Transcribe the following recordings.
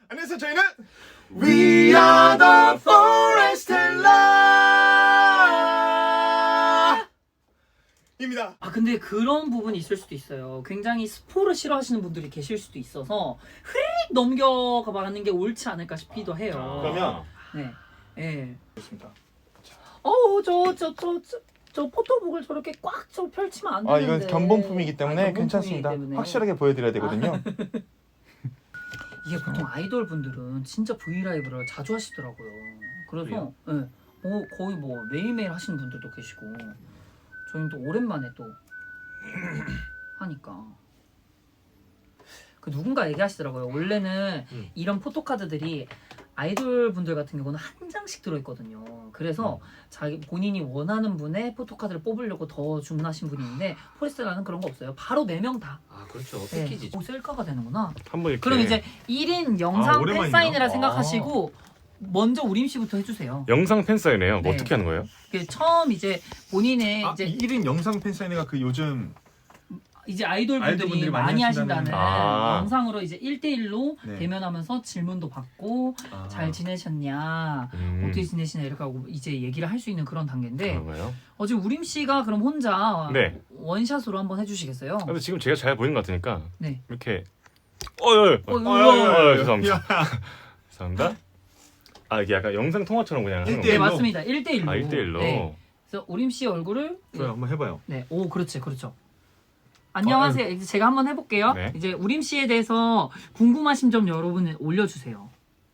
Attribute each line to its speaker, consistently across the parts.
Speaker 1: 안녕하세요. 저희는 We Are The Forestella 입니다.
Speaker 2: 근데 그런 부분이 있을 수도 있어요. 굉장히 스포를 싫어하시는 분들이 계실 수도 있어서 흐릿 넘겨가 가는 게 옳지 않을까 싶기도 해요.
Speaker 1: 그러면
Speaker 2: 네, 예.
Speaker 1: 좋습니다.
Speaker 2: 저 포토북을 저렇게 꽉 펼치면 안 되는데.
Speaker 1: 이건 견본품이기 때문에
Speaker 2: 견본품이기
Speaker 1: 괜찮습니다.
Speaker 2: 때문에.
Speaker 1: 확실하게 보여드려야 되거든요.
Speaker 2: 이게 보통 아이돌 분들은 진짜 브이라이브를 자주 하시더라고요. 그래서 예, 거의 뭐 매일매일 하시는 분들도 계시고 저희는 또 오랜만에 또 하니까 그 누군가 얘기하시더라고요. 원래는 이런 포토카드들이 아이돌 분들 같은 경우는 한 장씩 들어있거든요. 그래서 자기 본인이 원하는 분의 포토카드를 뽑으려고 더 주문하신 분이 있는데 포레스텔라는 그런 거 없어요. 바로 4명 다.
Speaker 3: 그렇죠.
Speaker 2: 네.
Speaker 3: 패키지.
Speaker 2: 셀카가 되는구나.
Speaker 4: 한번 이렇게
Speaker 2: 그럼 이제 1인 영상
Speaker 1: 오랜만이네요.
Speaker 2: 팬사인회라 생각하시고 먼저 우림 씨부터 해주세요.
Speaker 4: 영상 팬사인회요.
Speaker 2: 네.
Speaker 4: 어떻게 하는 거예요?
Speaker 2: 처음 이제 본인의 이제
Speaker 1: 1인 영상 팬사인회가 그 요즘
Speaker 2: 이제 아이돌
Speaker 1: 아이돌
Speaker 2: 분들이
Speaker 1: 분들이 많이
Speaker 2: 많이
Speaker 1: 하신다는
Speaker 2: 하신다는 영상으로 이제 1대1로
Speaker 1: 네.
Speaker 2: 대면하면서 질문도 받고 잘 지내셨냐, 어떻게 지내시냐 이렇게 하고 이제 얘기를 할 수 있는 그런 단계인데
Speaker 4: 그런 거예요?
Speaker 2: 지금 우림 씨가 그럼 혼자
Speaker 4: 네.
Speaker 2: 원샷으로 한번 해주시겠어요?
Speaker 4: 근데 지금 제가 잘 보이는 것 같으니까
Speaker 2: 네.
Speaker 4: 이렇게
Speaker 2: 우와.
Speaker 4: 죄송합니다. 죄송합니다. 이게 약간 영상 통화처럼 그냥 하는
Speaker 2: 네
Speaker 4: 거예요?
Speaker 2: 맞습니다. 1대1로.
Speaker 4: 1대1로.
Speaker 2: 네. 그래서 우림 씨 얼굴을
Speaker 1: 좋아요. 한번 해봐요.
Speaker 2: 네, 그렇죠. 안녕하세요. 이제 제가 한번 해볼게요.
Speaker 4: 네.
Speaker 2: 이제 우림 씨에 대해서 궁금하신 점 여러분 올려주세요.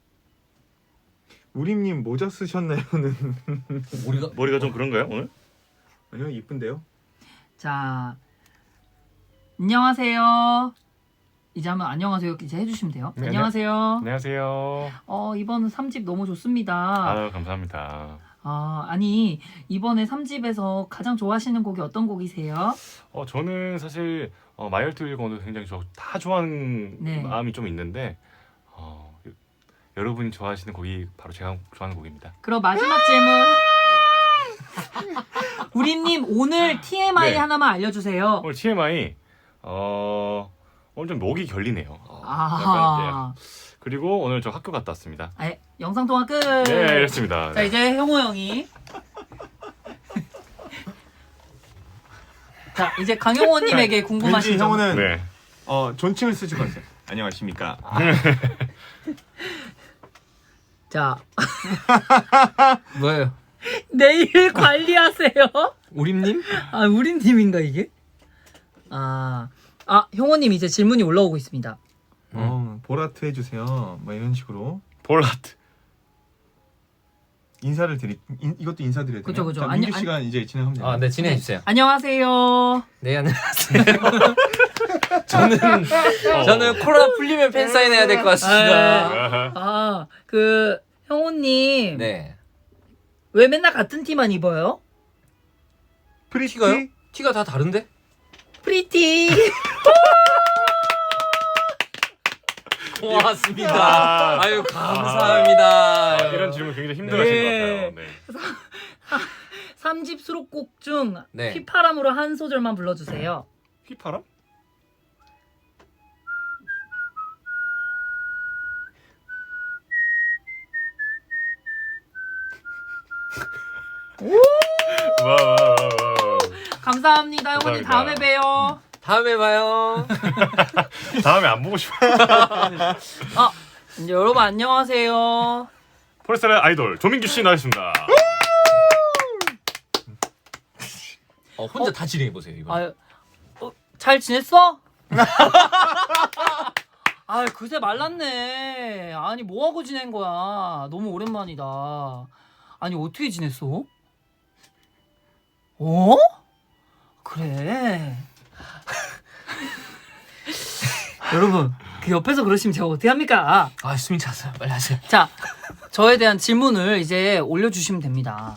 Speaker 1: 우림님 모자 쓰셨나요는
Speaker 4: 머리가 좀 그런가요 오늘?
Speaker 1: 아니요, 이쁜데요.
Speaker 2: 자, 안녕하세요. 이제 한번 안녕하세요 이제 해주시면 돼요.
Speaker 4: 네,
Speaker 2: 안녕하세요.
Speaker 4: 안녕하세요.
Speaker 2: 이번 3집 너무 좋습니다.
Speaker 4: 감사합니다.
Speaker 2: 아니 이번에 3집에서 가장 좋아하시는 곡이 어떤 곡이세요?
Speaker 4: 저는 사실 마이얼트 일권도 굉장히 다 좋아하는
Speaker 2: 네.
Speaker 4: 마음이 좀 있는데 여러분이 좋아하시는 곡이 바로 제가 좋아하는 곡입니다.
Speaker 2: 그럼 마지막 질문. 우림님 오늘 TMI
Speaker 4: 네.
Speaker 2: 하나만 알려주세요.
Speaker 4: 오늘 TMI 오늘 좀 목이 결리네요.
Speaker 2: 아하.
Speaker 4: 약간 이제 그리고 오늘 저 학교 갔다 왔습니다.
Speaker 2: 영상 통화 끝.
Speaker 4: 네, 이렇습니다.
Speaker 2: 자 이제 형호 형이. 자 이제 강용호님에게 궁금하신
Speaker 1: 왠지
Speaker 2: 점.
Speaker 1: 형은
Speaker 4: 네.
Speaker 1: 존칭을 쓰실 것 같아요. 안녕하십니까.
Speaker 2: 자
Speaker 3: 뭐예요?
Speaker 2: 내일 관리하세요.
Speaker 3: 우림님?
Speaker 2: 우림님인가 이게? 형호님 이제 질문이 올라오고 있습니다.
Speaker 1: 보라트 해주세요. 뭐 이런 식으로
Speaker 4: 볼라트.
Speaker 1: 인사를 이것도 인사드려야 돼요.
Speaker 2: 그죠.
Speaker 1: 자, 민규 씨가 이제 진행하면 돼요.
Speaker 3: 네, 진행해 주세요.
Speaker 2: 안녕하세요.
Speaker 3: 네, 안녕하세요. 저는 코로나 풀리면 팬 사인 해야 될 것 같습니다.
Speaker 2: 형호님.
Speaker 3: 네.
Speaker 2: 왜 맨날 같은 티만 입어요?
Speaker 3: 티가요? 티가 다 다른데?
Speaker 2: 프리티.
Speaker 3: 고맙습니다. 아유, 감사합니다.
Speaker 4: 이런 질문 굉장히 힘들어하시는
Speaker 2: 네.
Speaker 4: 것 같아요. 네.
Speaker 2: 3집 수록곡 중
Speaker 3: 네.
Speaker 2: 휘파람으로 한 소절만 불러주세요.
Speaker 4: 휘파람? 와.
Speaker 2: 감사합니다. 형님
Speaker 4: 감사합니다.
Speaker 2: 다음에 봬요.
Speaker 3: 다음에 봐요.
Speaker 4: 다음에 안 보고 싶어.
Speaker 2: 이제 여러분 안녕하세요.
Speaker 4: 포레스텔라 아이돌 조민규 씨 나왔습니다.
Speaker 3: 혼자 다 진행해 보세요, 이거.
Speaker 2: 잘 지냈어? 그새 말랐네. 아니 뭐하고 지낸 거야? 너무 오랜만이다. 아니 어떻게 지냈어? 그래. 여러분 그 옆에서 그러시면 제가 어떻게 합니까?
Speaker 3: 숨이 찼어요. 빨리 하세요.
Speaker 2: 자, 저에 대한 질문을 이제 올려주시면 됩니다.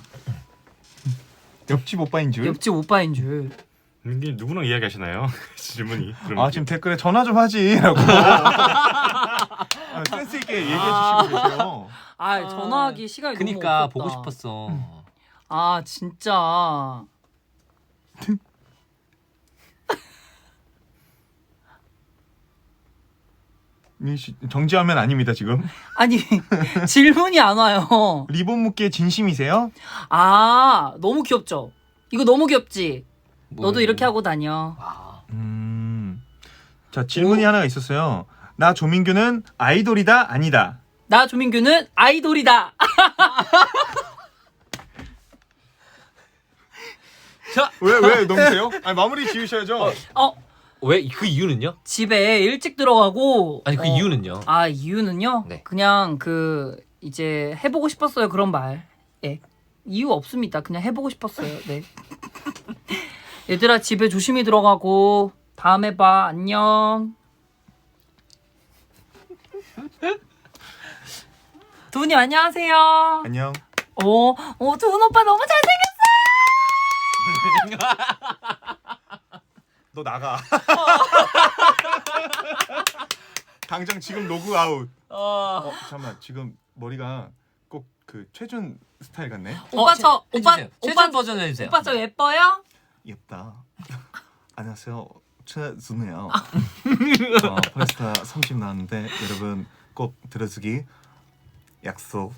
Speaker 1: 옆집 오빠인 줄.
Speaker 2: 옆집 오빠인 줄.
Speaker 4: 이게 누구랑 이야기하시나요? 질문이. 그럼
Speaker 1: 지금 댓글에 전화 좀 하지라고. 센스 있게 얘기해 주시고 계세요.
Speaker 2: 전화하기 시간이
Speaker 3: 그니까
Speaker 2: 너무
Speaker 3: 보고
Speaker 2: 없었다.
Speaker 3: 싶었어.
Speaker 2: 진짜.
Speaker 1: 정지하면 아닙니다 지금.
Speaker 2: 아니 질문이 안 와요.
Speaker 1: 리본 묶기에 진심이세요?
Speaker 2: 아 너무 귀엽죠? 이거 너무 귀엽지? 너도
Speaker 3: 뭐,
Speaker 2: 이렇게 하고 다녀.
Speaker 3: 아,
Speaker 1: 자 질문이 하나가 있었어요. 나 조민규는 아이돌이다 아니다.
Speaker 2: 나 조민규는 아이돌이다.
Speaker 3: 자,
Speaker 1: 왜 넘으세요? 아니 마무리 지으셔야죠.
Speaker 3: 왜 그 이유는요?
Speaker 2: 집에 일찍 들어가고.
Speaker 3: 아니 그 이유는요?
Speaker 2: 아 이유는요?
Speaker 3: 네.
Speaker 2: 그냥 그 이제 해보고 싶었어요 그런 말. 예. 이유 없습니다. 그냥 해보고 싶었어요. 네. 얘들아 집에 조심히 들어가고 다음에 봐. 안녕. 두훈님 안녕하세요.
Speaker 1: 안녕.
Speaker 2: 두훈 오빠 너무 잘생겼어.
Speaker 1: 너 나가. 당장 지금 로그 아웃. 잠깐만 지금 머리가 꼭 그 최준 스타일 같네.
Speaker 2: 오빠 저 오빠
Speaker 3: 최전 버전 해주세요.
Speaker 2: 오빠 저 예뻐요?
Speaker 1: 예쁘다. 안녕하세요. 최준이에요. 펄스타 30 나왔는데 여러분 꼭 들어주기 약속.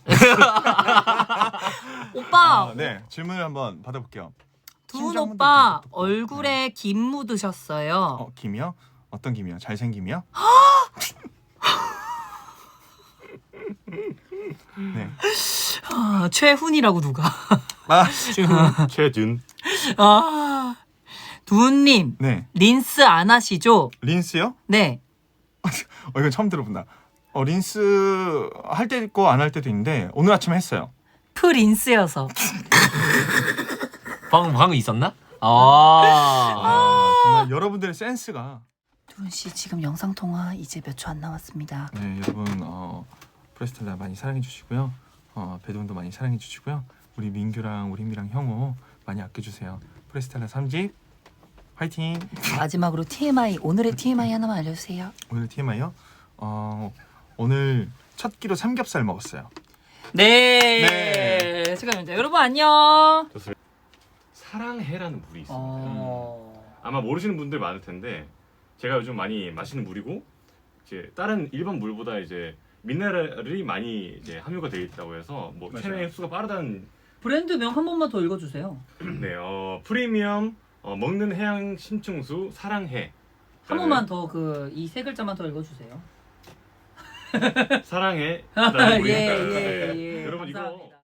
Speaker 2: 오빠
Speaker 1: 네 질문을 한번 받아볼게요.
Speaker 2: 두훈
Speaker 1: 심장
Speaker 2: 오빠
Speaker 1: 한번 더
Speaker 2: 얼굴에 김 묻으셨어요.
Speaker 1: 김이요? 어떤 김이요? 잘생김이요? 네.
Speaker 2: 최훈이라고 누가?
Speaker 4: 최준.
Speaker 2: 두훈님
Speaker 1: 네.
Speaker 2: 린스 안 하시죠?
Speaker 1: 린스요?
Speaker 2: 네.
Speaker 1: 이건 처음 들어본다. 린스 할 때 있고 안 할 때도 있는데 오늘 아침에 했어요.
Speaker 2: 프린스여서.
Speaker 3: 방금 있었나?
Speaker 1: 정말 여러분들의 센스가.
Speaker 2: 두훈 씨 지금 영상 통화 이제 몇 초 안 남았습니다.
Speaker 1: 네 여러분 프레스텔라 많이 사랑해 주시고요. 배동도 많이 사랑해 주시고요. 우리 민규랑 우리 희미랑 형호 많이 아껴주세요. 프레스텔라 3집 화이팅.
Speaker 2: 마지막으로 TMI 오늘의 TMI 하나만 알려주세요.
Speaker 1: 오늘 TMI요? 오늘 첫 끼로 삼겹살 먹었어요.
Speaker 2: 네. 축하합니다. 여러분 안녕.
Speaker 4: 사랑해라는 물이 있습니다. 아마 모르시는 분들 많을 텐데 제가 요즘 많이 마시는 물이고 이제 다른 일반 물보다 이제 미네랄이 많이 이제 함유가 되어 있다고 해서 뭐
Speaker 1: 맞아요.
Speaker 4: 체내 흡수가 빠르다는
Speaker 2: 브랜드명 한 번만 더 읽어주세요.
Speaker 4: 네, 프리미엄 먹는 해양 심층수 사랑해.
Speaker 2: 한 번만 더 그 이 세 글자만 더 읽어주세요.
Speaker 4: 사랑해.
Speaker 2: 예, 예, 예.
Speaker 4: 여러분 이거
Speaker 2: 감사합니다.